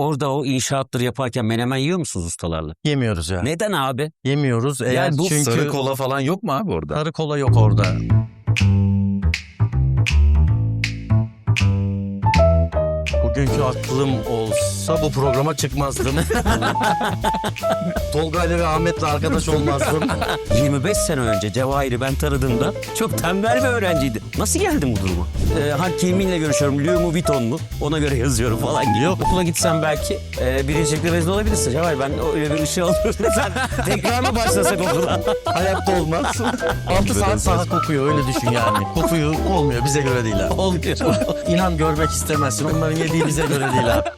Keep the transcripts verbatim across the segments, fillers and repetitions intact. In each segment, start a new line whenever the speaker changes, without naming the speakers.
orada o inşaatları yaparken menemen yiyor musunuz ustalarla?
Yemiyoruz ya.
Neden abi?
Yemiyoruz. Eğer
Yani bu
çünkü
Sarı kola falan yok mu abi orada?
sarı kola yok orada. Bugünkü aklım olsa bu programa çıkmazdım. Tolga ile ve Ahmet'le arkadaş olmazdım.
yirmi beş sene önce Cevahir'i ben tanıdığımda çok tembel bir öğrenciydi. Nasıl geldin bu duruma? Ee, ha kiminle görüşüyorum? Louis mu Vuitton mu? Ona göre yazıyorum falan.
Yok.
Okula gitsem belki e, birincilikle mezun olabilirsin. Cevahir ben öyle bir ışığı alıyorum. Sen tekrar mı başlasak okula?
Hayatta olmaz. altı saat saha kokuyor, öyle düşün yani. Kokuyor, olmuyor, bize göre değil abi.
Olmuyor.
İnan görmek istemezsin. Onların yediği bize göre değil abi.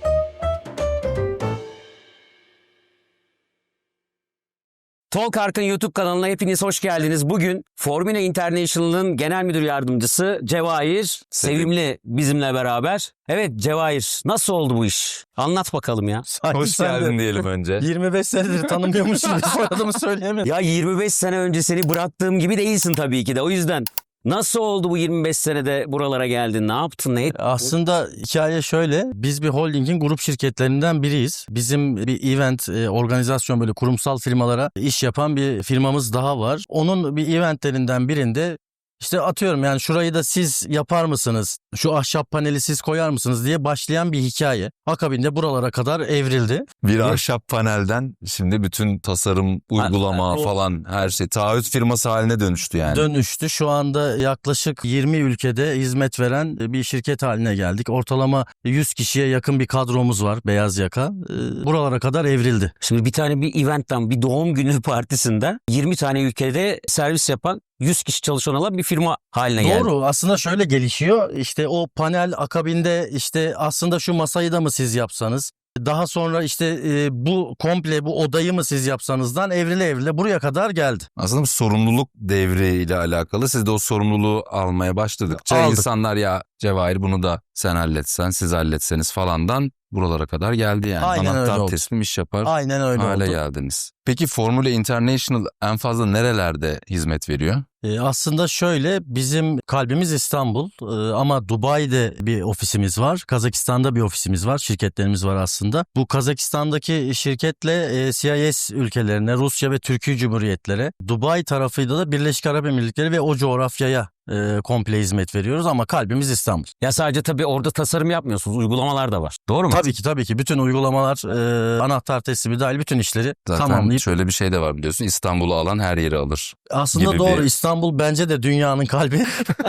Talk Ark'ın YouTube kanalına hepiniz hoş geldiniz. Bugün Formula International'ın genel müdür yardımcısı Cevahir Sevimli bizimle beraber. Evet Cevahir, nasıl oldu bu iş? Anlat bakalım ya.
Sanki
Hoş
sen de
geldin diyelim önce.
yirmi beş senedir tanımıyormuş gibi soyadımı söyleyemedim.
Ya yirmi beş sene önce seni bıraktığım gibi değilsin tabii ki de. O yüzden nasıl oldu bu yirmi beş senede buralara geldin? Ne yaptın? Ne ettin?
Aslında hikaye şöyle. Biz bir holdingin grup şirketlerinden biriyiz. Bizim bir event, e, organizasyon, böyle kurumsal firmalara iş yapan bir firmamız daha var. Onun bir eventlerinden birinde işte atıyorum yani şurayı da siz yapar mısınız? Şu ahşap paneli siz koyar mısınız diye başlayan bir hikaye. Akabinde buralara kadar evrildi.
Bir ahşap panelden şimdi bütün tasarım, uygulama
Ha, o-
falan her şey taahhüt firması haline dönüştü yani.
Dönüştü. Şu anda yaklaşık yirmi ülkede hizmet veren bir şirket haline geldik. Ortalama yüz kişiye yakın bir kadromuz var, beyaz yaka. Ee, Buralara kadar evrildi.
Şimdi bir tane bir eventten, bir doğum günü partisinden yirmi tane ülkede servis yapan yüz kişi çalışan olan bir firma haline geldi.
Doğru. Aslında şöyle gelişiyor. İşte o panel akabinde işte aslında şu masayı da mı siz yapsanız? Daha sonra işte e, bu komple bu odayı mı siz yapsanızdan evrile evrile buraya kadar geldi.
Aslında bir sorumluluk devriyle alakalı. Siz de o sorumluluğu almaya başladıkça
Aldık.
insanlar ya Cevahir bunu da sen halletsen, siz halletseniz falandan buralara kadar geldi yani.
Aynen öyle
Anahtar
oldu.
teslim iş yapar
Aynen öyle
hale
oldu.
geldiniz. Peki Formula International en fazla nerelerde hizmet veriyor?
E, aslında şöyle, bizim kalbimiz İstanbul e, ama Dubai'de bir ofisimiz var. Kazakistan'da bir ofisimiz var. Şirketlerimiz var aslında. Bu Kazakistan'daki şirketle e, C I S ülkelerine, Rusya ve Türkiye Cumhuriyetlere, Dubai tarafıyla da Birleşik Arap Emirlikleri ve o coğrafyaya e, komple hizmet veriyoruz ama kalbimiz İstanbul.
Ya sadece tabii orada tasarım yapmıyorsunuz, uygulamalar da var. Doğru mu?
Tabii ki tabii ki bütün uygulamalar, e, anahtar teslimi dahil bütün işleri
Zaten
tamamlayıp.
şöyle bir şey de var biliyorsun, İstanbul'u alan her yeri alır.
Aslında
gibi
doğru,
bir-
İstanbul bence de dünyanın kalbi.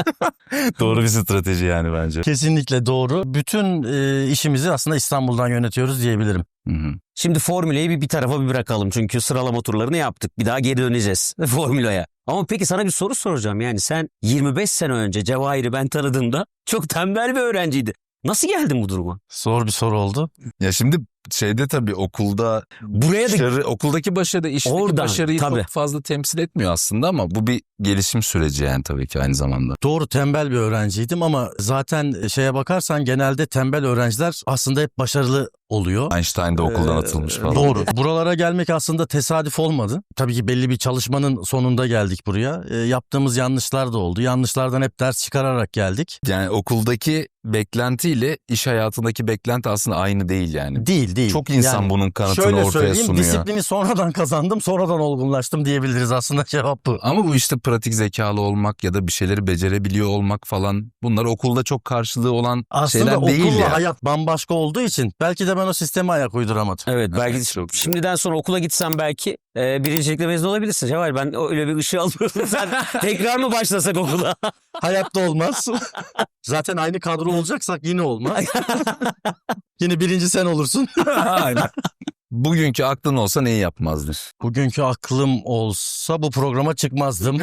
Doğru bir strateji yani bence.
Kesinlikle doğru. Bütün e, işimizi aslında İstanbul'dan yönetiyoruz diyebilirim.
Hı hı.
Şimdi Formüla'yı bir, bir tarafa bir bırakalım. Çünkü sıralama turlarını yaptık. Bir daha geri döneceğiz Formüla'ya. Ama peki sana bir soru soracağım. Yani sen yirmi beş sene önce Cevahir'i ben tanıdığımda çok tembel bir öğrenciydi. Nasıl geldin bu duruma?
Zor bir soru oldu.
Ya şimdi şeyde tabii okulda
Buraya da
başarı, okuldaki başarı işteki
Oradan,
başarıyı
tabii.
çok fazla temsil etmiyor aslında ama bu bir gelişim süreci yani tabii ki aynı zamanda.
Doğru, tembel bir öğrenciydim ama zaten şeye bakarsan genelde tembel öğrenciler aslında hep başarılı oluyor.
Einstein de okuldan
Ee,
atılmış falan.
Doğru. Buralara gelmek aslında tesadüf olmadı. Tabii ki belli bir çalışmanın sonunda geldik buraya. Ee, yaptığımız yanlışlar da oldu. Yanlışlardan hep ders çıkararak geldik.
Yani okuldaki beklentiyle iş hayatındaki beklenti aslında aynı değil yani.
Değil değil.
Çok insan
Yani
bunun kanıtını
şöyle
ortaya
söyleyeyim,
sunuyor.
disiplini sonradan kazandım, sonradan olgunlaştım diyebiliriz, aslında cevap bu.
Ama bu işte pratik zekalı olmak ya da bir şeyleri becerebiliyor olmak falan, bunlar okulda çok karşılığı olan
Aslında
şeyler değil
okulla
ya.
hayat bambaşka olduğu için belki de ben o sisteme ayak uyduramadım.
evet belki
Evet, çok güzel.
şimdiden sonra okula gitsem belki e, birincilikle mezun olabilirsin. Cevahir ben öyle bir ışığı alıyorum. Sen tekrar mı başlasak okula?
Hayatta olmaz. Zaten aynı kadro olacaksak yine olmaz. Yine birinci sen olursun.
Aynen. Bugünkü aklın olsa neyi yapmazdın?
Bugünkü aklım olsa bu programa çıkmazdım.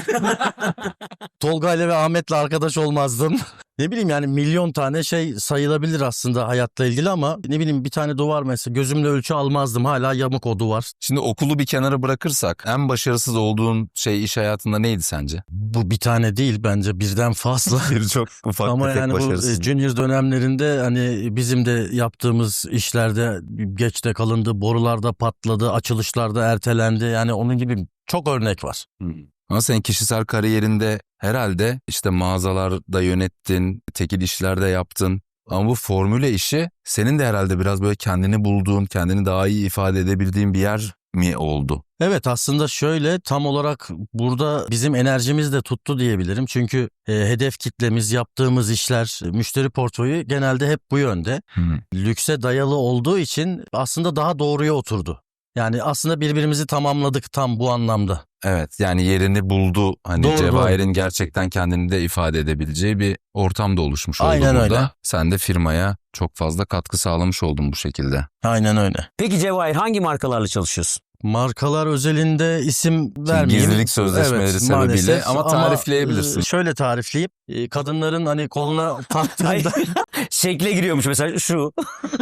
Tolga ile ve Ahmet'le arkadaş olmazdım. Ne bileyim yani milyon tane şey sayılabilir aslında hayatla ilgili ama ne bileyim bir tane duvar mesela gözümle ölçü almazdım. Hala yamuk o duvar.
Şimdi okulu bir kenara bırakırsak en başarısız olduğun şey iş hayatında neydi sence?
Bu bir tane değil, bence birden fazla.
Bir çok ufak
Ama
tefek
yani bu
başarısız.
e, junior dönemlerinde hani bizim de yaptığımız işlerde geçte kalındı, borularda patladı, açılışlarda ertelendi. Yani onun gibi çok örnek var.
Ama sen kişisel kariyerinde herhalde işte mağazalarda yönettin, tekil işlerde yaptın. Ama bu formüle işi senin de herhalde biraz böyle kendini bulduğun, kendini daha iyi ifade edebildiğin bir yer mi oldu?
Evet, aslında şöyle, tam olarak burada bizim enerjimiz de tuttu diyebilirim. Çünkü e, hedef kitlemiz, yaptığımız işler, müşteri portföyü genelde hep bu yönde.
Hı.
Lükse dayalı olduğu için aslında daha doğruya oturdu. Yani aslında birbirimizi tamamladık tam bu anlamda.
Evet, yani yerini buldu. Hani
Doğru,
Cevahir'in
doğru.
gerçekten kendini de ifade edebileceği bir ortam da oluşmuş oldu
Aynen
burada.
öyle.
Sen de firmaya çok fazla katkı sağlamış oldun bu şekilde.
Aynen öyle.
Peki Cevahir, hangi markalarla çalışıyorsun?
Markalar özelinde isim vermeyeyim.
gizlilik sözleşmeleri sebebiyle
maalesef.
ama tarifleyebilirsin.
e, Şöyle tarifleyeyim. E, Kadınların hani koluna
Ay,
taktığında
şekle giriyormuş mesela şu.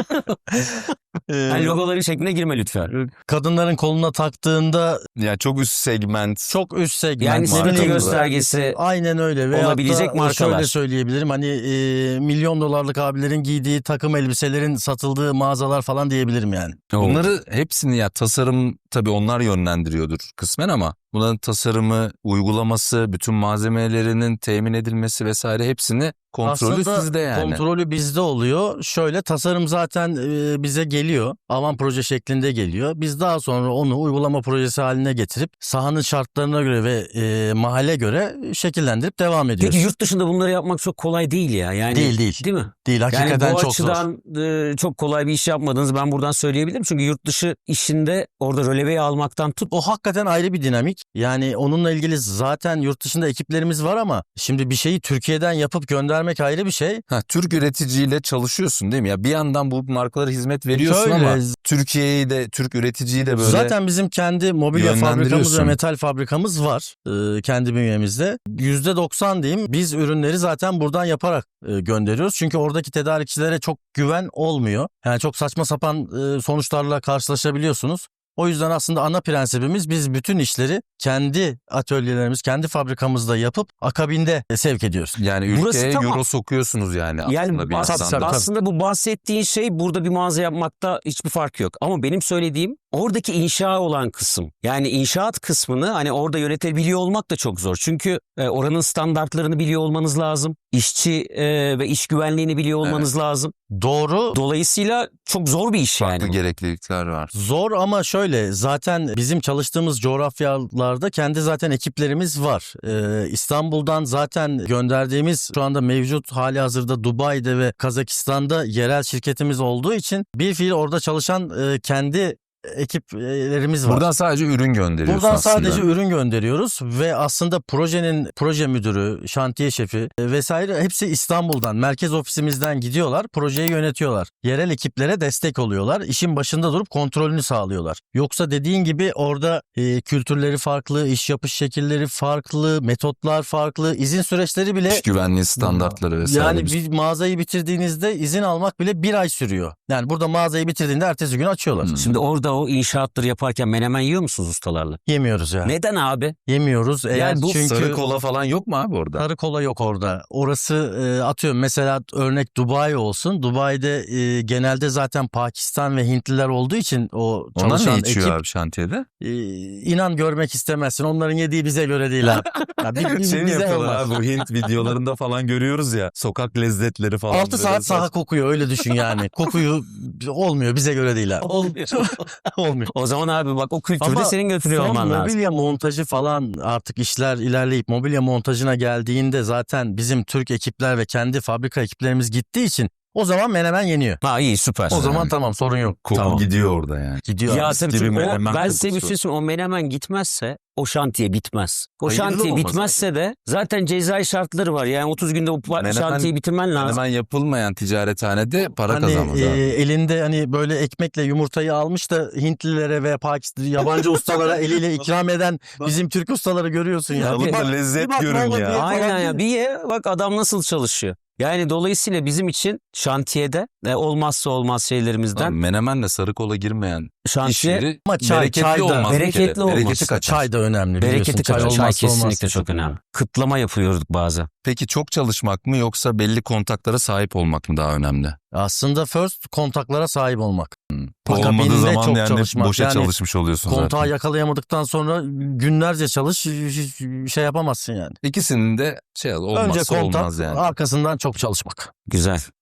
e,
Yani logoların şekline girme lütfen.
kadınların koluna taktığında
Yani çok üst segment.
çok üst segment.
Yani statü
markalar.
göstergesi
Aynen öyle. Veyahut
olabilecek
da
markalar.
Şöyle söyleyebilirim, hani e, milyon dolarlık abilerin giydiği takım elbiselerin satıldığı mağazalar falan diyebilirim yani.
Bunları hepsini ya tasarım tabii onlar yönlendiriyordur kısmen ama bunların tasarımı, uygulaması, bütün malzemelerinin temin edilmesi vesaire hepsini kontrolü
Aslında
sizde yani.
kontrolü bizde oluyor. Şöyle, tasarım zaten e, bize geliyor. Avan proje şeklinde geliyor. Biz daha sonra onu uygulama projesi haline getirip sahanın şartlarına göre ve e, mahalle göre şekillendirip devam ediyoruz.
Peki yurt dışında bunları yapmak çok kolay değil ya. Yani,
Değil, değil.
Değil mi?
Değil, hakikaten
Yani bu
çok zor.
açıdan e, çok kolay bir iş yapmadığınızı ben buradan söyleyebilirim. Çünkü yurt dışı işinde orada röleveyi almaktan tut.
O hakikaten ayrı bir dinamik. Yani onunla ilgili zaten yurt dışında ekiplerimiz var ama şimdi bir şeyi Türkiye'den yapıp göndermek ayrı bir şey.
Ha, Türk üreticiyle çalışıyorsun değil mi? Ya bir yandan bu markalara hizmet veriyorsun
Şöyle,
ama Türkiye'yi de Türk üreticiyi de böyle
zaten bizim kendi mobilya fabrikamız ve
yönlendiriyorsun.
metal fabrikamız var e, kendi bünyemizde. yüzde doksan diyeyim, biz ürünleri zaten buradan yaparak e, gönderiyoruz. Çünkü oradaki tedarikçilere çok güven olmuyor. Yani çok saçma sapan e, sonuçlarla karşılaşabiliyorsunuz. O yüzden aslında ana prensibimiz, biz bütün işleri kendi atölyelerimiz, kendi fabrikamızda yapıp akabinde sevk ediyoruz.
yani
Burası
ülkeye
tamam.
euro sokuyorsunuz yani aslında
Yani
bir
bas-
yandan
tabii,
da.
tabii.
aslında bu bahsettiğin şey burada bir mağaza yapmakta hiçbir fark yok. Ama benim söylediğim oradaki inşa olan kısım. Yani inşaat kısmını hani orada yönetebiliyor olmak da çok zor. Çünkü e, oranın standartlarını biliyor olmanız lazım. İşçi e, ve iş güvenliğini biliyor olmanız lazım.
Doğru.
Dolayısıyla çok zor bir iş
Farklı
yani.
gereklilikler var.
Zor ama şöyle, zaten bizim çalıştığımız coğrafyalarda kendi zaten ekiplerimiz var. Ee, İstanbul'dan zaten gönderdiğimiz, şu anda mevcut hali hazırda Dubai'de ve Kazakistan'da yerel şirketimiz olduğu için bir fiil orada çalışan e, kendi ekiplerimiz var.
Buradan sadece ürün gönderiyorsun
Buradan
aslında.
sadece ürün gönderiyoruz ve aslında projenin proje müdürü, şantiye şefi e, vesaire hepsi İstanbul'dan, merkez ofisimizden gidiyorlar, projeyi yönetiyorlar. Yerel ekiplere destek oluyorlar, işin başında durup kontrolünü sağlıyorlar. Yoksa dediğin gibi orada e, kültürleri farklı, iş yapış şekilleri farklı, metotlar farklı, izin süreçleri bile...
İş güvenliği standartları vesaire.
Yani bir mağazayı bitirdiğinizde izin almak bile bir ay sürüyor. Yani burada mağazayı bitirdiğinde ertesi gün açıyorlar.
Hmm.
Şimdi orada o inşaatları yaparken menemen yiyor musunuz ustalarla?
Yemiyoruz ya.
Neden abi?
Yemiyoruz. Eğer
Yani bu
çünkü
Sarı kola falan yok mu abi orada?
sarı kola yok orada. Orası e, atıyorum mesela, örnek Dubai olsun. Dubai'de e, genelde zaten Pakistan ve Hintliler olduğu için o
Onlar
çalışan
ne içiyor
ekip
abi şantiyede?
e, inan görmek istemezsin. Onların yediği bize göre değil abi. Ya, bi- bi-
Şey mi
bize
yapıyorlar
olmaz.
abi bu Hint videolarında falan görüyoruz ya sokak lezzetleri falan.
altı
böyle
saat saha
saç-
kokuyor, öyle düşün yani. Kokuyu olmuyor, bize göre değil abi.
Olmuyor.
Olmuyor.
O zaman abi bak o kültürde
Ama
senin götürüyor
son
olman lazım.
mobilya montajı falan, artık işler ilerleyip mobilya montajına geldiğinde zaten bizim Türk ekipler ve kendi fabrika ekiplerimiz gittiği için o zaman menemen yeniyor.
Ha iyi süper.
O zaman tamam, sorun yok.
Koku
Tamam.
gidiyor orada yani.
Gidiyor.
Ya
abi.
tabii
gibi
çünkü o,
menemen
ben size bir
kokusu.
şey söyleyeyim. O menemen gitmezse o şantiye bitmez. O
Hayırlı
şantiye
olmaz
bitmezse de zaten cezai şartları var. Yani otuz günde o pa-
Menemen-
şantiyeyi bitirmen lazım.
Hemen yapılmayan ticarethanede para
Hani
kazanmaz
e,
abi.
elinde hani böyle ekmekle yumurtayı almış da Hintlilere ve Pakistan yabancı ustalara eliyle ikram eden bizim Türk ustaları görüyorsun ya.
Tabii.
Bir bak-
lezzet
bir bak ne
görün
olur
ya.
diye
Aynen
falan
ya.
değil mi?
Bir ye bak adam nasıl çalışıyor. Yani dolayısıyla bizim için şantiyede e, olmazsa olmaz şeylerimizden
Lan Menemenle sarı kola girmeyen iş
şantiye
yeri
Ama çay-
bereketli
çay da-
olmaz. bir kere.
bereketli olmaz.
Bereketi kaçar.
Çay da önemli, biliyorsun.
bereketi kaçar. Çay,
olmazsa
kesinlikle
olmaz.
çok önemli. Kıtlama yapıyorduk bazen.
Peki çok çalışmak mı yoksa belli kontaklara sahip olmak mı daha önemli?
Aslında first kontaklara sahip olmak.
Olmadığı
Akabinde
zaman
çok
yani
çalışmak.
boşa
Yani
çalışmış oluyorsun
Kontağı
zaten.
yakalayamadıktan sonra günlerce çalış, hiç şey yapamazsın yani.
İkisinin de şey olmazsa
Önce kontak,
olmaz yani.
arkasından çok çalışmak.
Güzel.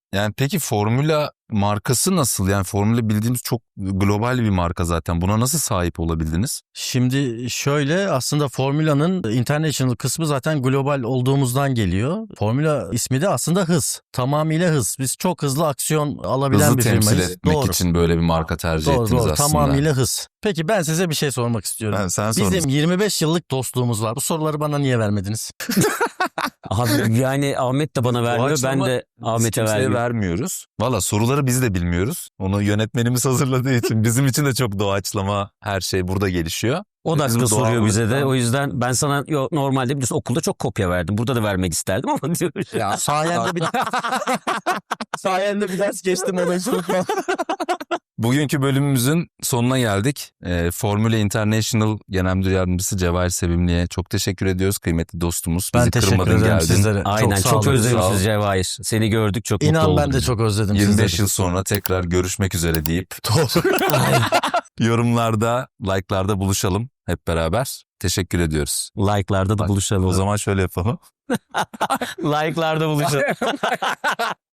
Yani peki Formula markası nasıl? Yani Formula bildiğimiz çok global bir marka zaten. Buna nasıl sahip olabildiniz?
Şimdi şöyle, aslında Formula'nın international kısmı zaten global olduğumuzdan geliyor. Formula ismi de aslında hız. Tamamıyla hız. Biz çok hızlı aksiyon alabilen
Hızlı
bir
temsil
firmayız.
etmek
Doğru.
için böyle bir marka tercih
Doğru
ettiniz
doğru.
aslında.
Tamamıyla hız. Peki ben size bir şey sormak istiyorum.
Ben, sen sor.
Bizim yirmi beş yıllık dostluğumuz var. Bu soruları bana niye vermediniz?
Abi yani Ahmet de bana vermiyor. Ben
Doğaçlama
de
biz
Ahmet'e
kimseye
vermiyorum.
vermiyoruz. Valla soruları biz de bilmiyoruz. Onu yönetmenimiz hazırladığı için bizim için de çok doğaçlama her şey burada gelişiyor.
O
Biz
dakika
bu
soruyor bize de.
doğallıktan-
O yüzden ben sana yo, normalde biliyorsun okulda çok kopya verdim. Burada da vermek isterdim ama diyorum.
Ya sayende bir sayende bir ders geçtim ona hiç unutmam.
Bugünkü bölümümüzün sonuna geldik. Ee, Formula International Genel Müdür Yardımcısı Cevahir Sevimli'ye çok teşekkür ediyoruz. Kıymetli dostumuz. Bizi
Ben teşekkür
kırmadın,
ederim
geldin.
sizlere.
Aynen
çok,
çok,
sağ olun.
sağ ol.
özlemişiz Cevahir. Seni gördük çok mutlu
İnan
olduk.
ben de çok özledim
yirmi beş
sizleri.
yıl sonra tekrar görüşmek üzere deyip
Doğru.
yorumlarda, like'larda buluşalım hep beraber. Teşekkür ediyoruz.
Like'larda da buluşalım.
O zaman şöyle yapalım.
Like'larda buluşalım.